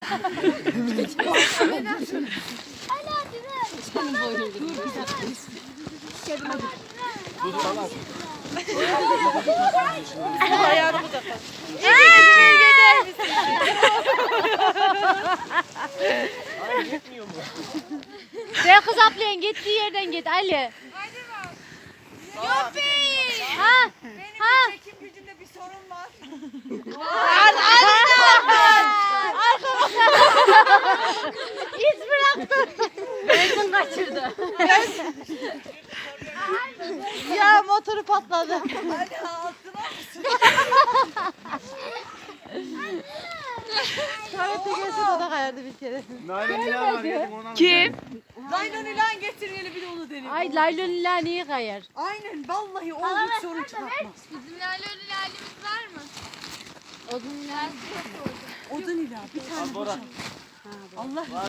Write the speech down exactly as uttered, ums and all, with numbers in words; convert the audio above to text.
Ayağını da kal. Sen kız ablayın gittiği yerden git Ali. Yuppi! Ha? Benim Ha? çekim gücünde bir sorun var. İz bıraktı. Benzin kaçırdı. Ya motoru patladı. Hadi altına mısın? Tuvalete gelse de o da kayardı bir kere. Kim? Naylon ilan getirmeli bir de onu deneyelim. Ay laylon illa niye kayar? Aynen vallahi o hiç sorun çıkartmaz. Bizim laleli lalemiz var mı? Odun illa. Odun ila bir tane boşalt. Allah